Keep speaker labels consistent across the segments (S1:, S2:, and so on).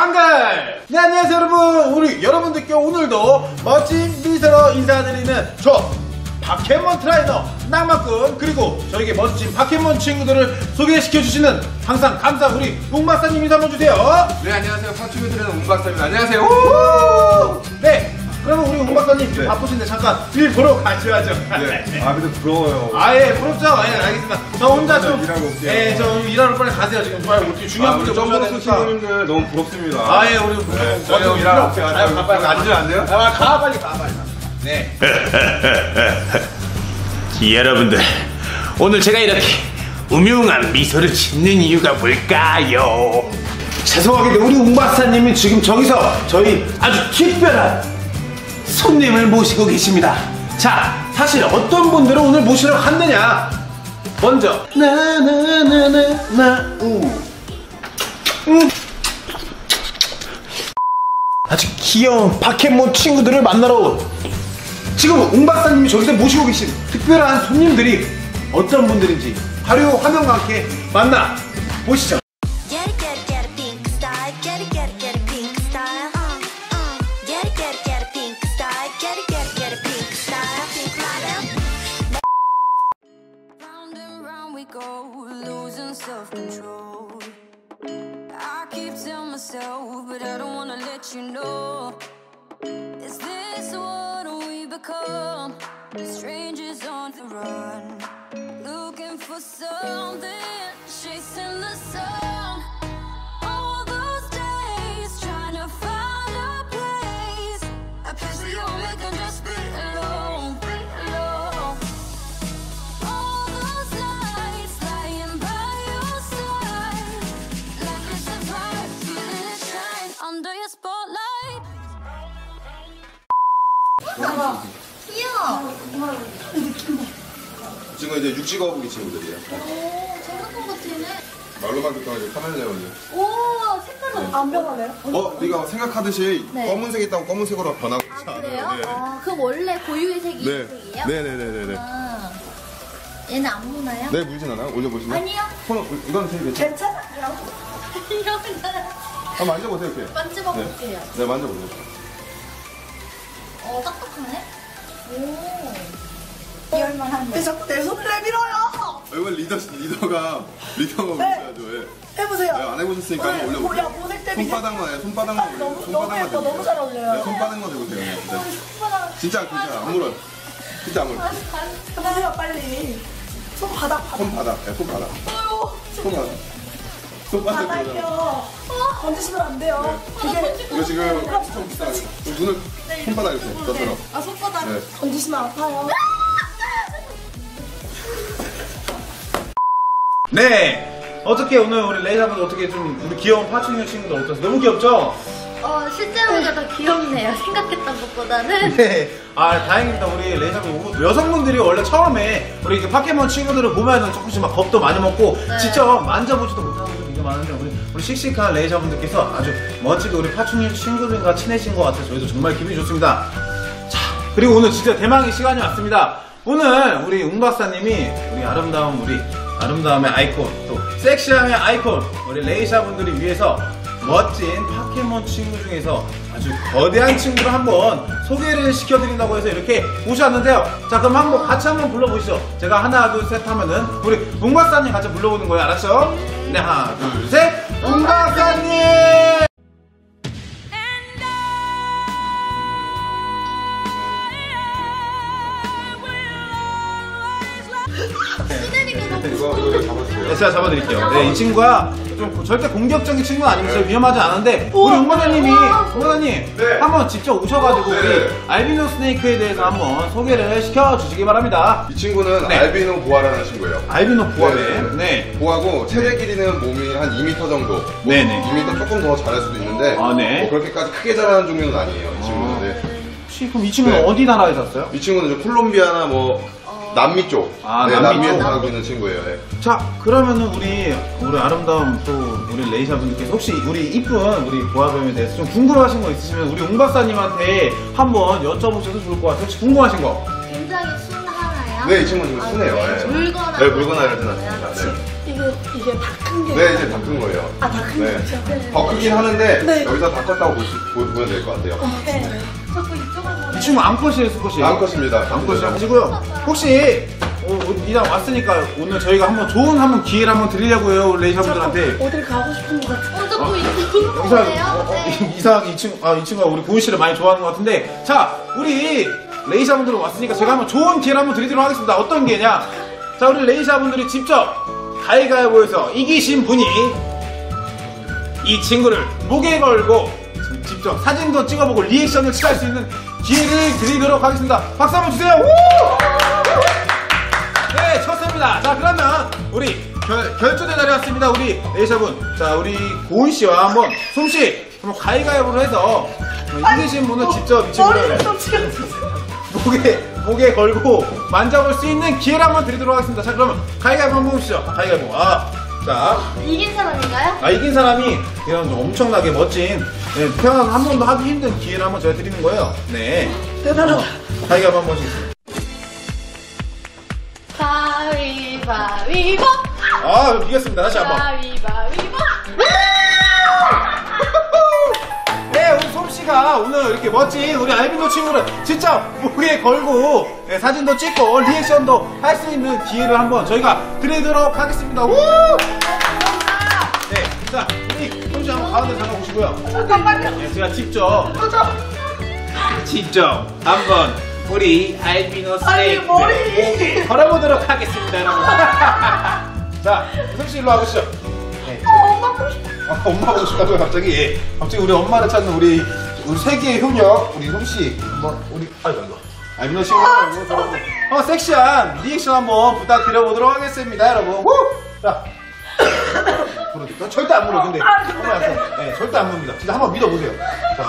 S1: 방글! 네, 안녕하세요 여러분. 우리 여러분들께 오늘도 멋진 미소로 인사드리는 저 파켓몬 트레이너 낭만꾼, 그리고 저에게 멋진 파켓몬 친구들을 소개시켜주시는 항상 감사한 우리 웅박사님 인사 한번 주세요.
S2: 네, 안녕하세요. 파충류 트레이너 웅박사입니다. 안녕하세요.
S1: 네, 그러면 우리 웅박사님 좀 바쁘신데 잠깐 일 보러 가셔야죠.
S2: 네. 아, 근데 부러워요.
S1: 아예 부럽죠? 예, 알겠습니다. 저 혼자 좀
S2: 일하고 올게요.
S1: 예, 저 일하러 빨리 가세요. 지금 빨리 어떻게 중요한 문제 보셔야
S2: 점으로
S1: 되니까.
S2: 친구님들 너무 부럽습니다.
S1: 아예 우리
S2: 저희 형 일하러 올게요.
S1: 가 빨리
S2: 앉으면 안 돼요?
S1: 가 빨리 가. 네.
S3: 여러분들, 오늘 제가 이렇게 음흉한 미소를 짓는 이유가 뭘까요?
S1: 죄송하게 우리 웅박사님이 지금 저기서 저희 아주 특별한 손님을 모시고 계십니다. 자, 사실 어떤 분들을 오늘 모시러 갔느냐. 먼저 아주 귀여운 파켓몬 친구들을 만나러 온, 지금 웅박사님이 저기서 모시고 계신 특별한 손님들이 어떤 분들인지 바로 화면과 함께 만나 보시죠.
S4: Strangers on the run, looking for something, chasing the sun. All those days trying to find a place, a place where you we can just be alone, be alone. All those nights lying by your side, like it's a vibe, feeling it shine under your spotlight.
S5: 귀여워.
S2: 지금 이제 육지 거북이 친구들이에요.
S5: 오, 생각한 것 같네.
S2: 말로만 듣다가 이제 카멜레온이요.
S5: 오, 색깔은 안 변하네요?
S2: 네가 생각하듯이
S5: 네.
S2: 검은색 있다고 검은색으로 변하고 있지 않아요.
S5: 그래요?
S2: 네.
S5: 아, 그럼 원래 고유의 색이
S2: 네.
S5: 이 색이에요?
S2: 네네네네네.
S5: 아, 얘는 안 무나요?
S2: 네, 물진 않아요? 올려보시면.
S5: 아니요.
S2: 이건 되게 괜찮아요.
S5: 괜찮아요. 이러면
S2: 한번 만져보세요, 이렇게.
S5: 만져볼게요.
S2: 네, 만져보세요.
S5: 딱딱하네? 오. 이럴만한데.
S6: 자꾸 내 손을 내밀어요.
S2: 이번 리더가 보셔야죠. 예.
S6: 해보세요.
S2: 네, 안 해보셨으니까 한번
S6: 야,
S2: 올려보세요.
S6: 모델 때문에.
S2: 손바닥만 해요. 손바닥만 올려요.
S6: 너무
S2: 손바닥만
S6: 예뻐. 너무 잘 어울려요.
S2: 네, 손바닥만 대보세요. 네.
S6: 손바닥.
S2: 진짜 괜찮아. 안 물어요. 진짜 안 물어요.
S6: 해보세요, 빨리. 손바닥.
S2: 손바닥. 네, 손바닥.
S6: 아유,
S2: 손바닥. 손바닥.
S6: 바닥이요. 건드시면 안 돼요.
S2: 이거 지금 엄청 비싸요. 눈을 손바닥 이렇게 저처럼.
S6: 아, 손바닥.
S2: 네.
S6: 건드시면 아파요.
S1: 네, 어떻게 오늘 우리 레이사분 어떻게 좀 우리 귀여운 파충류 친구들 어떠세요? 너무 귀엽죠?
S5: 실제로보다 더 귀엽네요. 생각했던 것보다는.
S1: 네, 다행입니다. 우리 레이사분 여성분들이 원래 처음에 우리 이렇게 파켓몬 친구들을 보면은 조금씩 막 겁도 많이 먹고
S5: 네.
S1: 직접 만져보지도 못하는 분들이 되게 많은데 우리 씩씩한 레이사분들께서 아주 멋지게 우리 파충류 친구들과 친해진 것 같아서 저희도 정말 기분이 좋습니다. 자, 그리고 오늘 진짜 대망의 시간이 왔습니다. 오늘 우리 웅박사님이 우리 아름다움의 아이콘, 또 섹시함의 아이콘 우리 레이샤분들을 위해서 멋진 파켓몬 친구 중에서 아주 거대한 친구를 한번 소개를 시켜드린다고 해서 이렇게 모셨는데요. 자, 그럼 같이 한번 불러보시죠. 제가 하나 둘 셋 하면은 우리 웅박사님 같이 불러보는 거예요. 알았죠? 네, 하나 둘 셋, 웅박사님!
S2: 이거 잡아주세요.
S1: 네, 제가 잡아드릴게요. 네, 이 친구가 좀 절대 공격적인 친구는 아니면서 위험하지 않은데 우리 웅박사님이
S2: 네.
S1: 한번 직접 오셔가지고
S2: 네.
S1: 우리 알비노 스네이크에 대해서 한번 소개를 시켜주시기 바랍니다.
S2: 이 친구는
S1: 네.
S2: 알비노 보아라는 친구예요.
S1: 알비노 보아네.
S2: 네.
S1: 네.
S2: 보아고 최대 길이는 몸이 한 2m 정도.
S1: 네네.
S2: 2m 조금 더 자랄 수도 있는데
S1: 네.
S2: 뭐 그렇게까지 크게 자라는 종류는 아니에요. 이 친구는. 네.
S1: 혹시 그럼 이 친구는
S2: 네.
S1: 어디 나라에 샀어요?
S2: 이 친구는 이제 콜롬비아나 뭐 남미 쪽.
S1: 아,
S2: 네,
S1: 남미
S2: 남미에
S1: 쪽.
S2: 살고 있는 친구예요. 네.
S1: 자, 그러면은 우리 아름다운 또 우리 레이샤분들께서 혹시 우리 이쁜 우리 보아뱀에 대해서 좀 궁금하신 거 있으시면 우리 웅 박사님한테 한번 여쭤보셔도 좋을 것 같아요. 혹시 궁금하신 거?
S5: 굉장히 순하나요?
S2: 네, 이 친구는 지금 순해요. 네.
S5: 물거나
S2: 네, 물거나 이럴 때는 않습니다. 네.
S6: 이거 이게 다 큰 게.
S2: 네, 이제 다 큰 거예요.
S6: 아, 다 큰
S2: 네.
S6: 거죠? 네.
S2: 더 크긴 하는데
S6: 네.
S2: 여기서 다 컸다고 보면 될 것 같아요.
S6: 네.
S5: 자꾸 이쪽으로 보내.
S1: 이 친구 암컷이에요, 수컷이에요?
S2: 암컷입니다.
S1: 암컷이요. 하시고요. 혹시 이왕 왔으니까 오늘 저희가 한번 좋은 기회를 한번 드리려고요, 레이샤분들한테.
S6: 어딜 가고 싶은 것 같은데.
S5: 자꾸 이쪽으로 보내요. 네.
S1: 이상하게 이 친구가 우리 고은 씨를 많이 좋아하는 것 같은데, 자, 우리 레이샤분들 왔으니까 제가 한번 좋은 기회를 한번 드리도록 하겠습니다. 어떤 기회냐? 자, 우리 레이샤분들이 직접 가위가위보에서 이기신 분이 이 친구를 목에 걸고 직접 사진도 찍어보고 리액션을 취할 수 있는 기회를 드리도록 하겠습니다. 박수 한번 주세요. 우! 네, 좋습니다. 자, 그러면 우리 결전의 날이 왔습니다. 우리 레이샤분. 자, 우리 고은 씨와 한번 솜씨 한번 가위가위보로 해서 이기신 분은 직접 이 친구를
S6: 머리를 좀 찍어주세요.
S1: 목에 걸고 만져볼 수 있는 기회를 한번 드리도록 하겠습니다. 자, 그러면 가위가위보 한번 보시죠. 가위가위보. 자,
S5: 이긴 사람인가요?
S1: 이긴 사람이 그냥 좀 엄청나게 멋진, 네, 태어나서 한 번도 하기 힘든 기회를 한번 제가 드리는 거예요. 네.
S6: 대단하다.
S1: 가위가위보 한번 보시겠습니다.
S5: 가위바위보.
S1: 아, 이겼습니다. 다시 한번.
S5: 가위바위보.
S1: 네, 우리 솜씨가 오늘 이렇게 멋진 우리 알비노 친구를 진짜 목에 걸고, 네, 사진도 찍고 리액션도 할 수 있는 기회를 한번 저희가 드리도록 하겠습니다. 우! 네, 자, 우리 솜씨 한번 가운데 잠깐 오시고요.
S6: 잠깐만요.
S1: 네, 제가 직접 한번 우리 알비노
S6: 아니,
S1: 스네이크
S6: 머리.
S1: 걸어보도록 하겠습니다, 여러분. 자, 솜씨 일로 와보시죠. 네,
S6: 엄마 보고 싶어.
S1: 엄마 보고 싶다고요, 갑자기? 예. 갑자기 우리 엄마를 찾는 우리 세계의 효녀, 우리 솜씨. 한번, 아이고. 알비노 친구 한번 섹시한 리액션 한번 부탁드려보도록 하겠습니다, 여러분. 후! 자. 물어도 절대 안 물어, 근데. 네, 절대 안 묻니다. 진짜 한번 믿어보세요. 자.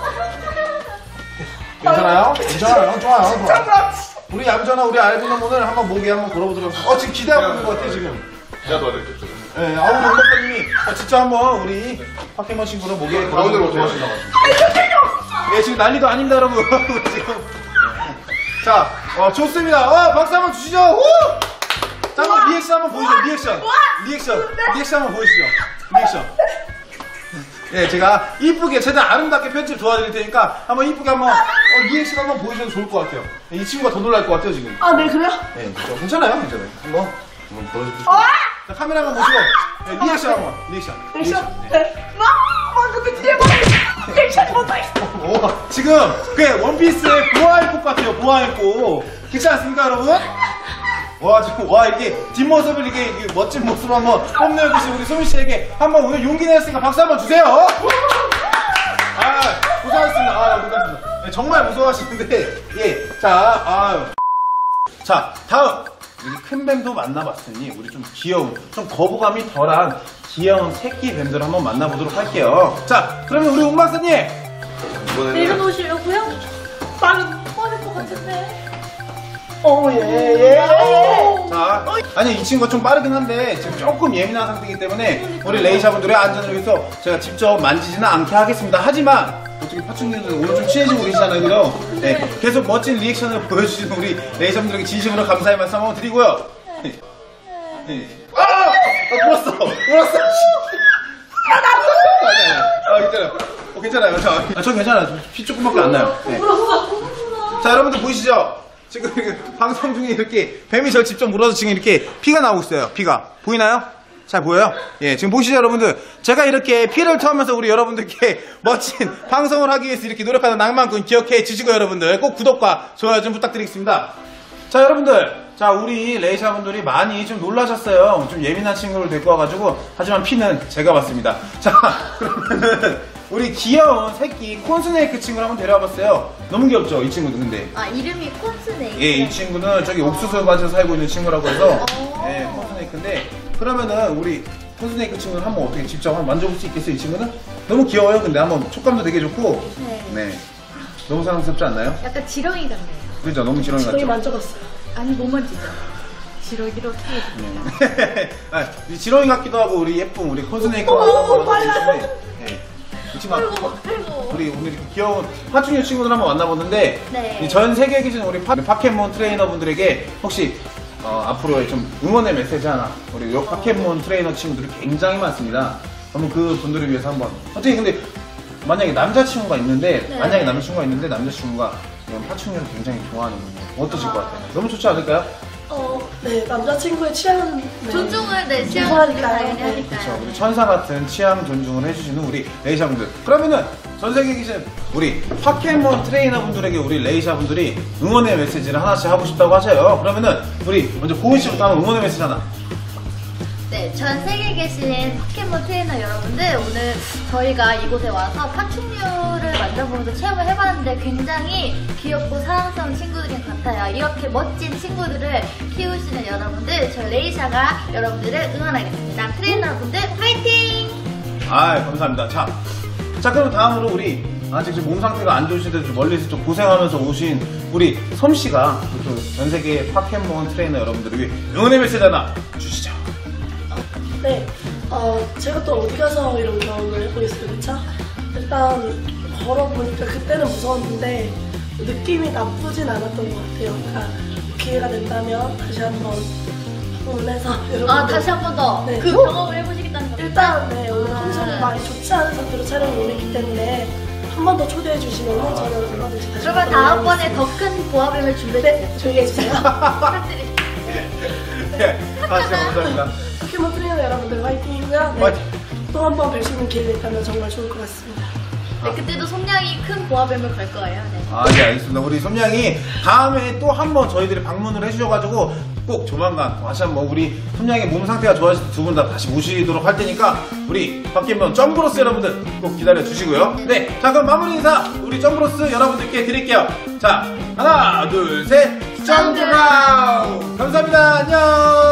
S1: 괜찮아요? 괜찮아요? 좋아요. 우리 얌전한 우리 알비노 오늘 한번 목에 한번 걸어보도록 하겠습니다. 지금 기대하고 있는 것 같아요, 지금.
S2: 제가 도와드릴게요.
S1: 네, 우리 박사님이 진짜 한번 우리 파켓몬 친구를 목에 걸어보도록 도와주셔가지고. 예, 지금 난리도 아닙니다, 여러분. 지금. 자, 좋습니다. 박수 한번 주시죠. 후! 자, 한번 리액션 한번 보여주죠. 리액션 한번 보여주시죠. 리액션. 네, 제가 이쁘게 최대한 아름답게 편집 도와드릴 테니까 한번 이쁘게 한번 리액션 한번 보여주셔도 좋을 것 같아요. 이 친구가 더 놀랄 것 같아요, 지금.
S6: 아, 네, 그래요?
S1: 네, 그렇죠. 괜찮아요. 한번 보여주시죠. 자, 카메라 한번 보시고, 네, 리액션 한번. 리액션.
S6: 네. 근데 뒤에 뭐, 리액션이 못하겠어.
S1: 오, 지금 그 원피스의 보아의꽃 같아요. 보아의꽃. 그렇지 않습니까, 여러분? 지금 이렇게 뒷모습을 이렇게 멋진 모습으로 한번 뽐내주신 우리 소민 씨에게 한번 오늘 용기 내셨으니까 박수 한번 주세요. 고생하셨습니다. 고생하셨습니다. 네, 정말 무서워하시는데, 예, 자, 다음. 우리 큰 뱀도 만나봤으니 우리 좀 귀여운, 좀 거부감이 덜한 귀여운 새끼 뱀들을 한번 만나보도록 할게요. 자, 그러면 우리 운 박사님.
S5: 내려놓으시려고요?
S6: 나는
S5: 뻔할 것 같은데.
S1: 자, 아니 이 친구가 좀 빠르긴 한데 지금 조금 예민한 상태이기 때문에 우리 레이샤분들의 안전을 위해서 제가 직접 만지지는 않게 하겠습니다. 하지만 어떻게 파충류들 오늘 좀 친해지고 계시잖아요, 그죠? 네, 계속 멋진 리액션을 보여주시는 우리 레이샤분들에게 진심으로 감사의 말씀 한번 드리고요. 네. 물었어. 괜찮아요. 전 괜찮아요. 피 조금밖에 안 나요. 네. 자, 여러분들 보이시죠? 지금 방송 중에 이렇게 뱀이 절 직접 물어서 지금 이렇게 피가 나오고 있어요. 피가 보이나요? 잘 보여요? 예, 지금 보시죠, 여러분들. 제가 이렇게 피를 토하면서 우리 여러분들께 멋진 방송을 하기 위해서 이렇게 노력하는 낭만꾼 기억해 주시고, 여러분들 꼭 구독과 좋아요 좀 부탁드리겠습니다. 자, 여러분들. 자, 우리 레이샤분들이 많이 좀 놀라셨어요. 좀 예민한 친구를 데리고 와가지고. 하지만 피는 제가 봤습니다. 자, 그러면은 우리 귀여운 새끼 콘스네이크 친구를 한번 데려와봤어요. 너무 귀엽죠, 이 친구도. 근데
S5: 이름이 콘스네이크.
S1: 예, 이 친구는 저기 옥수수 밭에서 살고 있는 친구라고 해서 예, 콘스네이크인데, 그러면은 우리 콘스네이크 친구는 한번 어떻게 직접 한번 만져볼 수 있겠어요? 이 친구는 너무 귀여워요. 근데 한번 촉감도 되게 좋고, 네, 너무 사랑스럽지 않나요?
S5: 약간 지렁이 같네요.
S1: 그죠? 너무 지렁이 같죠?
S6: 저희 만져봤어요.
S5: 아니, 못 만지죠. 지렁이로 어떻게 해줍니까?
S1: 이 지렁이 같기도 하고 우리 예쁜 우리 콘스네이크가 이 친구 우리 오늘 이렇게 귀여운 파충류 친구들 한번 만나보는데,
S5: 네.
S1: 전 세계에 계신 우리 파켓몬 트레이너분들에게 혹시 앞으로의 좀 응원의 메시지 하나 우리 파켓몬 트레이너 친구들이 굉장히 많습니다. 한번 그 분들을 위해서 한번 어떻게 근데 만약에 남자친구가 있는데 남자친구가 이런 파충류를 굉장히 좋아하는군요. 어떠실 것 같아요? 너무 좋지 않을까요?
S6: 네, 남자친구의 취향은
S5: 존중을 내
S6: 존중하니까요.
S5: 당연히
S6: 네.
S5: 하니까요.
S1: 그렇죠. 우리 천사 같은 취향 존중을 해주시는 우리 레이샤분들. 그러면은 전 세계에 계신 우리 파켓몬 트레이너분들에게 우리 레이샤분들이 응원의 메시지를 하나씩 하고 싶다고 하셔요. 그러면은 우리 먼저 고은 씨부터 한번 응원의 메시지 하나.
S5: 네, 전 세계에 계신 포켓몬 트레이너 여러분들, 오늘 저희가 이곳에 와서 파충류를 만져보면서 체험을 해봤는데 굉장히 귀엽고 사랑스러운 친구들인 것 같아요. 이렇게 멋진 친구들을 키우시는 여러분들, 저 레이샤가 여러분들을 응원하겠습니다. 트레이너분들 파이팅!
S1: 감사합니다. 자 그럼 다음으로 우리 아직 좀 몸 상태가 안 좋으신데 좀 멀리서 좀 고생하면서 오신 우리 솜씨가 또 전 세계 파켓몬 트레이너 여러분들을 위해 응원의 메시지 하나 주시죠.
S6: 네, 제가 또 어디 가서 이런 경험을 해보겠어요, 그쵸? 일단 걸어보니까 그때는 무서웠는데 느낌이 나쁘진 않았던 것 같아요. 그러니까 기회가 된다면 다시 한번 응원해서 여러분들
S5: 다시 한 번 더
S6: 네.
S5: 그 경험을 해보시겠다는 겁니다.
S6: 일단 네, 오늘 컨디션이 많이 좋지 않은 상태로 촬영을 오랬기 때문에 한 번 더 초대해 주시면 저는 얼마든지 다시
S5: 그러면 다음번에 더 큰 보아뱀을 준비해주세요.
S6: 네, 조용히 해주세요.
S5: 부탁드립니다.
S1: 네, 다시 한번 감사합니다.
S6: 포켓몬 트레이너 여러분들 화이팅이고요. 네,
S1: 화이팅!
S6: 또 한 번 뵐 수 있는 기회가 있다면 정말 좋을 것 같습니다.
S5: 네, 그때도 som냥이 큰 보아뱀을 걸 거예요. 네.
S1: 네, 알겠습니다. 우리 솜냥이 다음에 또 한 번 저희들이 방문을 해주셔가지고 꼭 조만간 다시 한번 우리 솜냥이 몸 상태가 좋아질 때 두 분 다 다시 모시도록 할 테니까 우리 파켓몬 점브로스 여러분들 꼭 기다려 주시고요. 네, 자 그럼 마무리 인사 우리 점브로스 여러분들께 드릴게요. 자, 하나, 둘, 셋, 점브라우! 감사합니다. 안녕!